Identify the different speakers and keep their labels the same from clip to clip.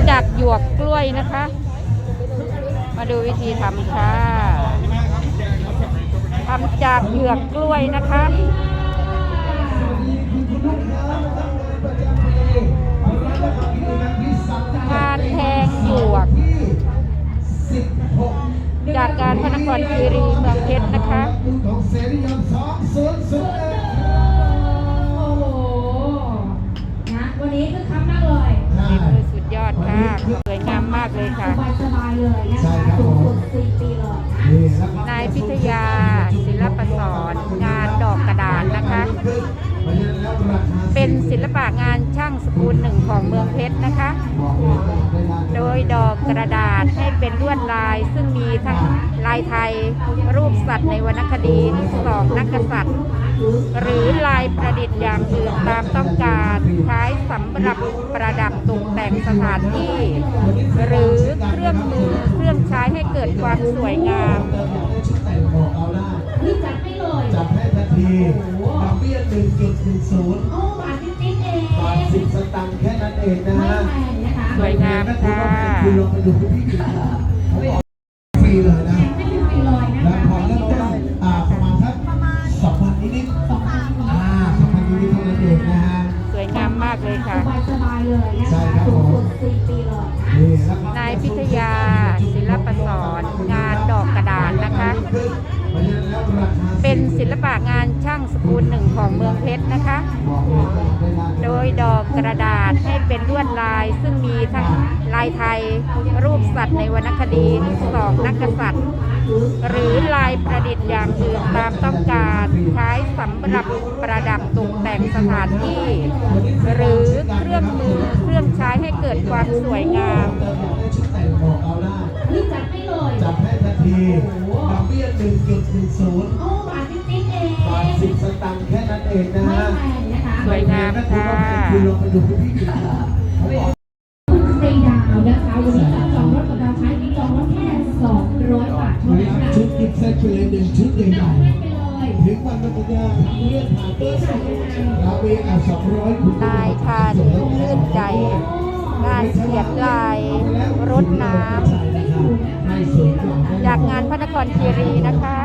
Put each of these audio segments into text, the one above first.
Speaker 1: ำจากหยวกกล้วยนะคะ มาดูวิธีทำค่ะทำจากหยวกกล้วยนะคะการแทงหยวกจากการพระนครคีรีเมืองเพชรนะคะ
Speaker 2: วันนี้คือคักมากเลย
Speaker 1: สุดยอดค่ะสวยงามมากเลยค่ะ
Speaker 2: สบายเลยนะคะสูงสุด4 ปีเลย
Speaker 1: นายพิทยาศิลปสอนงานดอกกระดาษนะคะ เป็นศิลปะงานช่างสกุลหนึ่งของเมืองเพชรนะคะ โดยดอกกระดาษให้เป็นลวดลายซึ่งมีทั้งลายไทยรูปสัตว์ในวรรณคดี2 นักกษัตริย์หรือลายประดิษฐ์อย่างอื่นตามต้องการใช้สำหรับประดับตกแต่งสถานที่หรือเครื่องมือเครื่องใช้ให้เกิดความสวยงาม
Speaker 2: จัดให้เลย
Speaker 3: จัดให้ทันทีดอกเบี้ย 1.10
Speaker 2: โอ้บาทจิ๊ดๆเอง
Speaker 3: บาท10 สตางค์แค่นั้นเองนะฮะ
Speaker 1: สวยงามค่ะ
Speaker 3: คุณลองไปดูที่อื่นฟรีเลยนะแล้วพอเริ่มต้นประมาณสัก2,000 นิดๆ2,000 นิดๆเท่านั้นเองนะฮะ
Speaker 1: สวยงามมากเลยค่ะ
Speaker 2: สบายเลยนะคะสูงสุด4 ปีเลย
Speaker 1: นายพิทยาศิลปสอนงานดอกกระดาษนะคะ เป็นศิลปะงานช่างสกุลหนึ่งของเมืองเพชรนะคะ โดยดอกกระดาษให้เป็นลวดลายซึ่งมีทั้งลายไทยรูปสัตว์ในวรรณคดี2 นักกษัตริย์หรือลายประดิษฐ์อย่างอื่นตามต้องการใช้สำหรับประดับตกแต่งสถานที่หรือเครื่องมือเครื่องใช้ให้เกิดความสวยงาม
Speaker 2: จัดให้เลย
Speaker 3: จัดให้ทันทีดอกเบี้ย 1.10
Speaker 2: โอ้บาทจิ๊ดๆเอง
Speaker 3: บาท10 สตางค์แค่นั้นเองนะฮะ
Speaker 1: สวยงามค่ะ
Speaker 3: คุณลองไปดูที่อื่น
Speaker 2: 4 ดาวนะคะวันนี้จัดจองรถกับเราใช้ที่จองรถแค่200 บาทเท่านั้น
Speaker 3: ชุดกิฟต์เซตไปเลย1 ชุดใหญ่ๆถึงวันปัญญาทำเรื่องผ่านเบอร์2เราเอง200คุณ
Speaker 1: นายทานลื่นใจงานเขียนลายรถน้ำจากงานพระนครคีรีนะคะ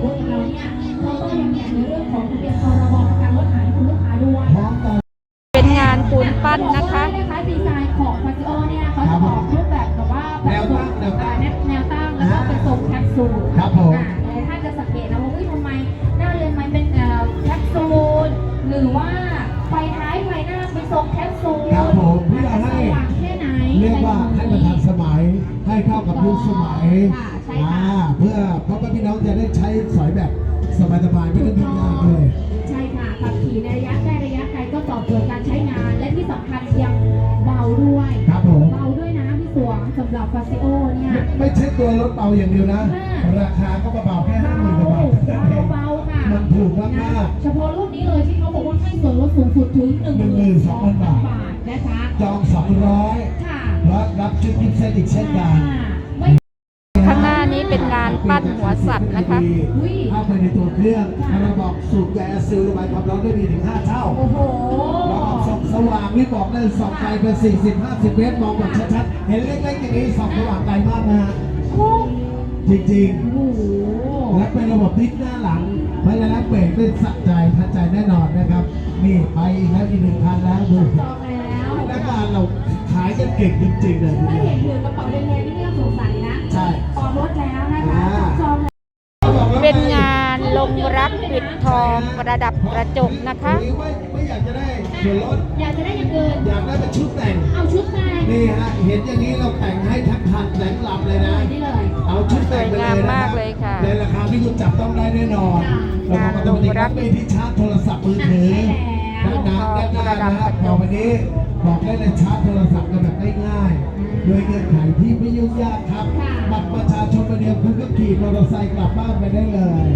Speaker 1: เป็นงานปูนปั้นนะคะ
Speaker 2: ดีไซน์ของฟาซิโอเนี่ยเขาจะออกรูปแบบแบบว่าแนวตั้งแล้วก็เป็นทรงแคปซูล
Speaker 3: ครับผม
Speaker 2: ถ้าจะสังเกตนะว่าทำไมหน้าเรือนไม้เป็นแคปซูลหรือว่าไฟท้ายไฟหน้าเป็นทรงแคปซูล
Speaker 3: ครับผมเพื่อให้เรียกว่าให้มันทันสมัยให้เข้ากับยุคสมัยเพื่อพ่อแม่พี่น้องจะได้ใช้สอยแบบสบายๆไม่ต้องยุ่งยากเลย
Speaker 2: ใช่ค่ะขับขี่ในระยะใกล้ระยะไกลก็ตอบโจทย์การใช้งานและที่สำคัญยังเบาด้วย
Speaker 3: ครับผม
Speaker 2: เบาด้วยนะพี่สวงสำหรับฟาซิโอเนี่ย
Speaker 3: ไม่ใช่ตัวรถเบาอย่างเดียวนะราคาก็เบาแค่50,000 กว่าบาท
Speaker 2: เบาค่ะ
Speaker 3: มันถูกมาก
Speaker 2: เฉพาะรุ่นนี้เลยที่เขาบอกว่าให้ส่วนลดสูงสุดถึง
Speaker 3: 12,000 บาท
Speaker 2: นะคะ
Speaker 3: จอง200
Speaker 2: ค่ะ
Speaker 3: และรับชุดกิฟต์เซตอีกเช่นกัน
Speaker 1: ข้างหน้านี้เป็นงานปั้นหัวสัตว์นะคะ
Speaker 3: เข้าไปในตัวเครื่องระบบสูบแก๊สซิลระบายความร้อนได้ดีถึง5 เท่า
Speaker 2: โอ้โห
Speaker 3: ระบบส่องสว่างนี่บอกได้ส่องไกลเป็น40-50 เมตรมองแบบชัดๆเห็นเล็กๆอย่างนี้ส่องสว่างไกลมากนะจริงๆและเป็นระบบพลิกหน้าหลังเพราะฉะนั้นเบรกได้สะใจทันใจแน่นอนนะครับนี่ไปอีกแล้วอีก1 คันแล้วดูและงานเราขายกันเก่งจริงๆเลย
Speaker 2: ถ้าเห็นถือกระเป๋าแดงๆนี่ไม่ต้องสงสัยนะ
Speaker 3: ใช่
Speaker 2: ออกรถแล้วนะคะจอง
Speaker 1: เป็นงานลงรักปิดทองประดับกระจกนะคะ
Speaker 3: ไม่อยากจะได้ส่วนลด
Speaker 2: อยากจะได้อย่างอื่น
Speaker 3: อยากได้เป็นชุดแต่ง
Speaker 2: เอาชุดแต่ง
Speaker 3: นี่ฮะเห็นอย่างนี้เราแต่งให้ทั้งคันแต่งลำเลยนะเอาชุดแต่งไปเลยนะในราคาที่คุณจับต้องได้แน่นอนแล้วก็ต้องมีรับที่ชาร์จโทรศัพท์มือถือด้านหน้านะครับพอวันนี้บอกได้เลยชาร์จโทรศัพท์กันแบบง่ายๆโดยเงื่อนไขที่ไม่ยุ่งยากครับบัตรประชาชนใบเดียวคุณก็ขี่มอเตอร์ไซค์กลับบ้านไปได้เลย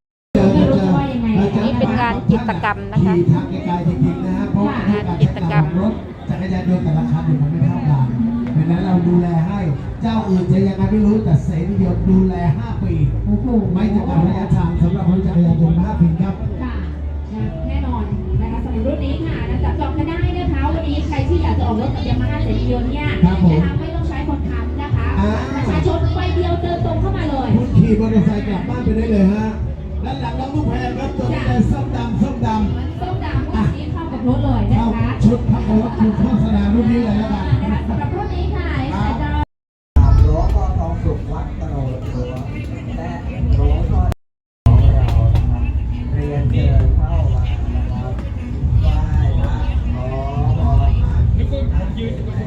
Speaker 1: นี่เป็นงานกิจกรรมนะคะ
Speaker 3: ขี่ทางไกลๆจริงๆนะฮะเพราะ
Speaker 1: งานกิจกรรม
Speaker 3: รถจักรยานยนต์แต่ละคันมันไม่เท่ากันเพราะนั้นเราดูแลให้เจ้าอื่นจะยังไงไม่รู้แต่เสรีเดียวดูแล5 ปีไม่จำกัดระยะทางสำหรับรถจักรยานยนต์5 ปีครับ
Speaker 2: แน่นอนนะคะรุ่นนี้ค่ะนะจับจองกันได้นะคะวันนี้ใครที่อยากจะออกรถกับยามาฮ่าเสรียนต์เนี่ย
Speaker 3: ครับผม
Speaker 2: นะคะไม่ต้องใช้คนค้ำนะคะประชาชนใบเดียวเดินตรงเข้ามาเลย
Speaker 3: คุณขี่มอเตอร์ไซค์กลับบ้านไปได้เลยฮะด้านหลังน้องลูกแพรครับตัวนี้เลยส้มดำ
Speaker 2: ส้มดำวันนี้เข้ากับรถเลยนะ
Speaker 3: เข้า
Speaker 2: คะ
Speaker 3: ชุดพักรถชุดโฆษณารุ่นนี้เลยแล้วกัน
Speaker 2: นะคะสำหรับรุ่นนี้ค่ะสายจอ
Speaker 4: หลวงพ่อทองสุขวัดตโนดตัวและหลวงพ่อของเรานะครับเรียนเชิญเข้ามานะครับไหว้พระขอพร